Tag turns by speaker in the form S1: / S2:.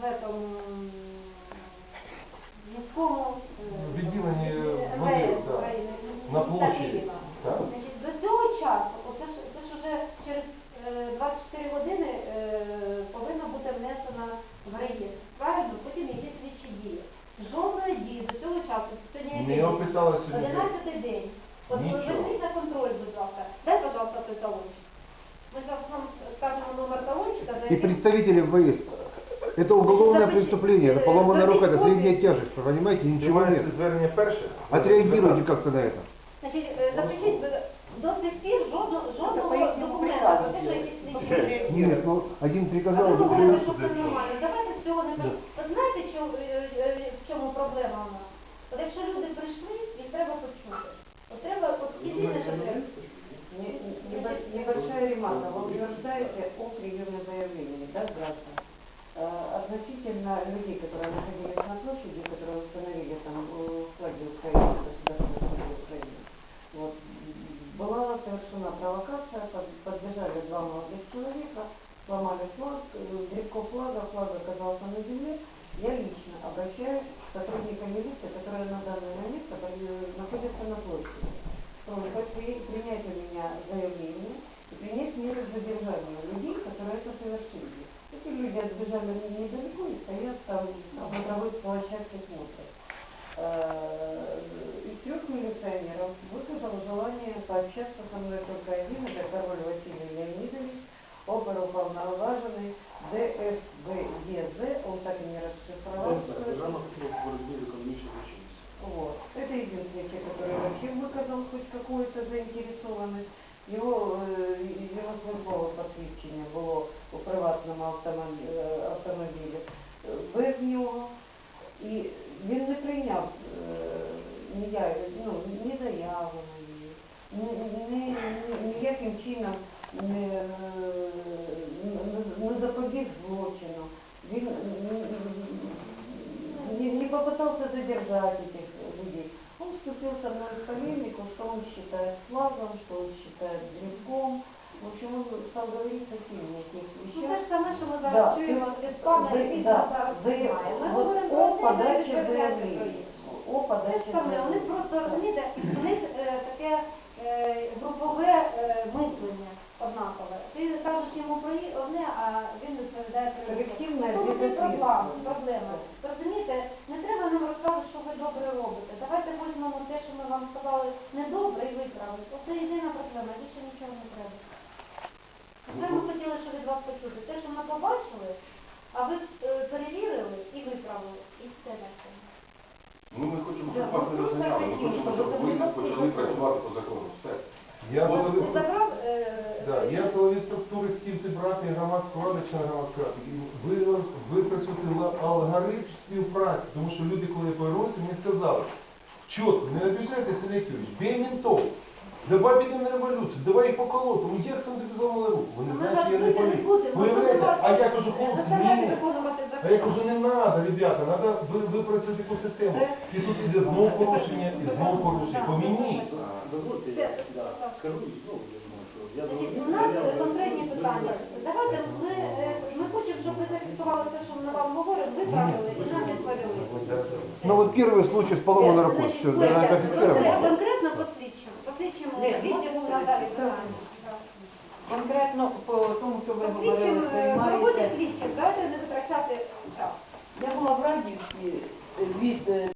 S1: в этом міському
S2: відділенні
S1: МВС України,
S2: на площі.
S1: Києва. Значить, до цього часу, це ж вже через 24 години повинна бути внесена в реєстр. Правильно? Потім йде слідчі дії. Жодної дії до цього часу.
S2: Не описали сьогодні.
S1: 11-й день. От візьміть на контроль, будь ласка. Дай, пожалуйста, той талончик. Мы сейчас вам скажем номер талончика.
S3: И представители ВС. Это уголовное преступление, это поломанная рука, это средняя тяжесть, понимаете, ничего нет.
S2: Звернення перше.
S3: Отреагируйте как-то на это.
S1: Значить, запишіть, до сих пір жодного документа про те, що якісь слідчі.
S3: Нет, ну один
S1: А
S3: приказал,
S1: ви
S3: другой...
S1: говорите, що це нормально. Давайте з цього не так. От знаєте, в чому проблема у нас? От якщо люди прийшли, їх треба почути. От треба, от єдине, що треба.
S4: Небольшая ремарка. Вы утверждаете о приеме заявлений, да, граждан? Относительно людей, которые находились на площади, которые установили там флаги Украины, государственной флаги Украины, вот, была совершена провокация, подбежали два молодых человека, сломали флаг, древко флага оказался на земле. Я лично обращаюсь к сотрудникам милиции, которые на данный момент находятся на площади. Принять у меня заявление и принять меры задержания людей, которые это совершили. Эти люди отбежали недалеко и стоят там на смотровой площадке смотрят. Из 3 милиционеров высказал желание пообщаться со мной только один, это Король Василий Леонидович, оперуполноваженный ДФБЕЗ, он так и не расшифровал. Вот. Это единственный человек, который вообще выказал хоть какую-то заинтересованность. Его службове посвідчення було у приватному автомобілі без нього. І він не прийняв ні заяви, ніяким чином не запобіг злочину. Він не попытался задержать этих людей. Он вступил со мной в полемику, что он считает флагом, что он считает древком. В общем, он стал говорить совсем не о тех вещах.
S1: Ну, це ж саме, що ми зараз чуємо від пана, який зараз знімає. Ми говоримо про
S4: подачі заявлення. О подачі заявлення.
S1: Вони просто, розумієте, у них таке групове мислення однакове. Ти кажеш йому про одне, а він відповідає про інше. Це проблема. Розумієте, не треба нам розказувати, що ви добре робите. Давайте візьмемо те, що ми вам сказали недобре і виправимо. Це єдина проблема, більше нічого не треба. Це ми хотіли, щоб від вас почути. Те, що ми побачили, а ви перевірили і виправили. І все на цьому.
S2: Ну, ми хочемо, щоб вас не розганяли. Ми хочемо, щоб ви почали працювати по закону. Все. Я силові структури хотів зібрати громадську раду, члени громадської ради. Випрацювати алгоритм співпраці, тому що люди, коли повернуться, мені сказали, чітко, не обіжайте Сергійович, бей ментов, давай підемо на революцію, давай їх поколоти, ну як там тобі зламали руку? Вони знають, що я не політ. А я кажу, хлопці, ні. А я кажу, не треба, ребята, треба випрацювати таку систему. І тут іде знову порушення, і знову порушення. Помініть.
S5: Дозвольте, я скажу і знову, я думаю, що
S1: У нас конкретні питання. Давайте ми хочемо, щоб ви зафіксували те, що ми вам говоримо, виправили і нам відповіли.
S3: Ну вот первый случай с поломанной рукой, все, это фиксировано.
S1: Конкретно посвідчимо відділу надалі питання.
S4: Конкретно по тому, що ви говорили,
S1: Проводять слідчих, давайте не витрачати час.
S4: я була в Радівці від